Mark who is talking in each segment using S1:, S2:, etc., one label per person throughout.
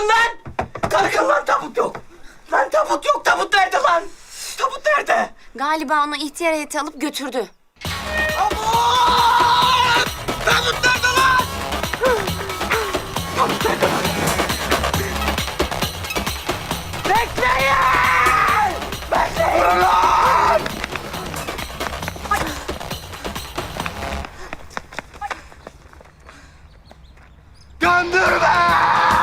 S1: Kalkın lan! Kalkın lan, tabut yok! Lan tabut yok, tabut nerede lan? Tabut nerede?
S2: Galiba onu ihtiyar heyeti alıp götürdü.
S1: Aman! Tabut nerede lan? Tabut nerede lan? Bekleyin! Bekleyin lan! Göndürme!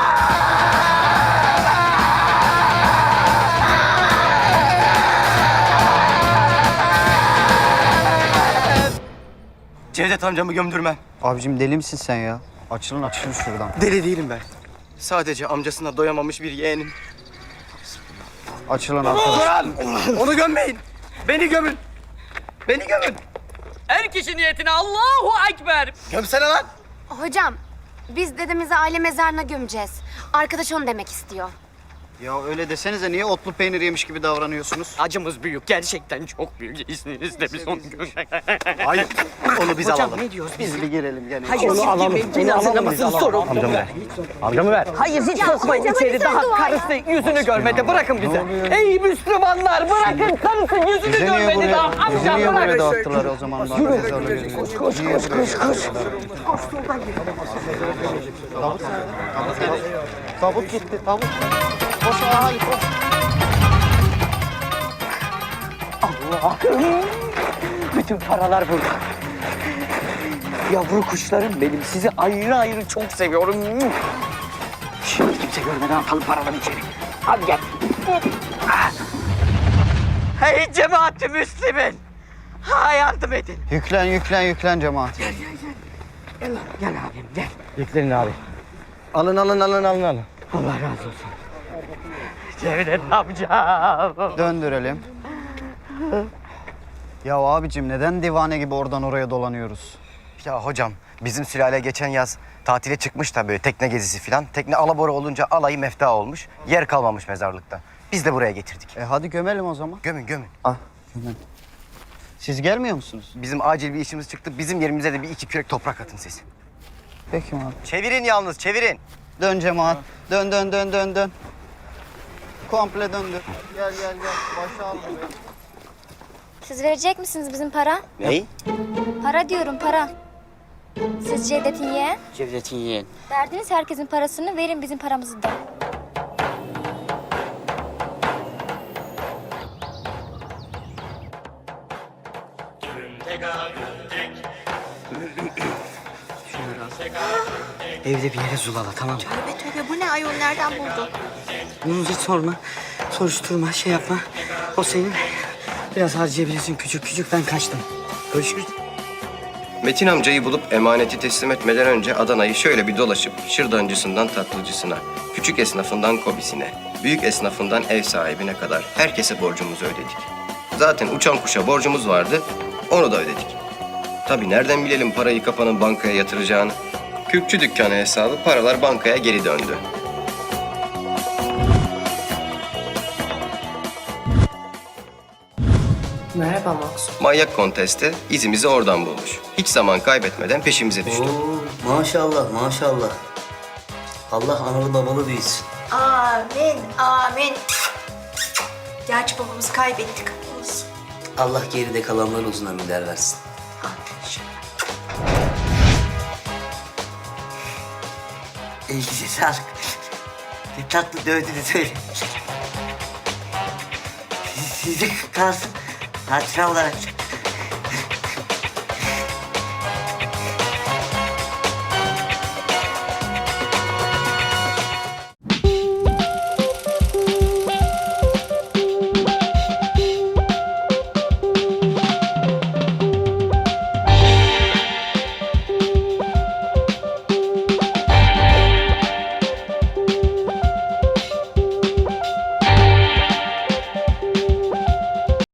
S1: Cevdet amcamı gömdürmem.
S3: Abicim deli misin sen ya? Açılın şuradan.
S1: Deli değilim ben. Sadece amcasına doyamamış bir yeğenim.
S3: Açılın arkadaşlar.
S1: Onu gömmeyin. Beni gömün. Beni gömün.
S4: Her kişi niyetine Allahu Ekber.
S1: Gömsene lan.
S2: Hocam, biz dedemizi aile mezarına gömeceğiz. Arkadaş onu demek istiyor.
S3: Ya öyle desenize niye otlu peynir yemiş gibi davranıyorsunuz?
S4: Acımız büyük. Gerçekten çok büyük. İzninizle biz onu
S1: Hayır. Onu biz
S4: Hocam
S1: alalım.
S4: ne diyoruz biz?
S3: Biz bir girelim gene.
S4: Hayır, onu alalım. Beni hazırlamasını sorun.
S1: Amcamı ver.
S4: Hayır, hiç sokmayın içeri. Daha karısı yüzünü görmedi. Bırakın bizi. Ey Müslümanlar, bırakın karısı yüzünü
S3: Bizi niye
S4: görmedi daha.
S3: buraya, bizi
S4: Amca
S3: niye buraya
S4: bırak.
S3: dağıttılar o zaman? Yürü. Koş. Tabut gitti, tabut. Koş hadi koş.
S4: Bütün paralar burada. Yavru kuşlarım benim. Sizi ayrı ayrı çok seviyorum. Şimdi kimse görmeden atalım paraları içeri. Hadi gel. Hey cemaat-i Müslümin. Ha, yardım edin.
S3: Yüklen cemaat.
S4: Gel abim gel.
S1: Yüklenin abi. Alın.
S4: Allah razı olsun. Cevdet amca.
S3: Döndürelim. Ya abicim neden divane gibi oradan oraya dolanıyoruz?
S5: Ya hocam bizim sülale geçen yaz tatile çıkmış da böyle tekne gezisi falan. Tekne alabora olunca alayı mefta olmuş. Yer kalmamış mezarlıkta. Biz de buraya getirdik.
S3: Hadi gömelim o zaman.
S5: Gömün.
S3: Ah gömelim. Siz gelmiyor musunuz?
S5: Bizim acil bir işimiz çıktı. Bizim yerimize de bir 2 kürek toprak atın siz.
S3: Peki abi.
S5: Çevirin yalnız çevirin.
S3: Dön cemaat. Dön. Komple döndür. Gel. Başa al buraya.
S2: Siz verecek misiniz bizim para?
S5: Ney?
S2: Para diyorum, para. Siz Cevdet'in yeğen.
S4: Cevdet'in yeğen.
S2: Verdiniz herkesin parasını, verin bizim paramızı da.
S4: Evde bir yere zulala, tamam mı?
S6: Tövbe bu ne ayol, nereden buldun?
S4: Bunu hiç sorma, soruşturma, şey yapma. O senin. Biraz harcayabilirsin küçük, ben kaçtım. Görüşürüz.
S5: Metin amcayı bulup emaneti teslim etmeden önce Adana'yı şöyle bir dolaşıp şırdancısından tatlıcısına, küçük esnafından kobisine, büyük esnafından ev sahibine kadar herkese borcumuzu ödedik. Zaten uçan kuşa borcumuz vardı, onu da ödedik. Tabii nereden bilelim parayı kapanın bankaya yatıracağını? Kürkçü dükkanı hesabı paralar bankaya geri döndü.
S6: Merhaba Maksut.
S5: Manyak konteste izimizi oradan bulmuş. Hiç zaman kaybetmeden peşimize düştü.
S7: Oo, maşallah. Allah analı babalı büyüsün.
S6: Amin. Gerçi babamızı kaybettik. Olsun.
S7: Allah geride kalanlara uzun ömürler versin. Elinize sağlık. Ne tatlı dövdünüz öyle. Size kalsın hatıra olarak.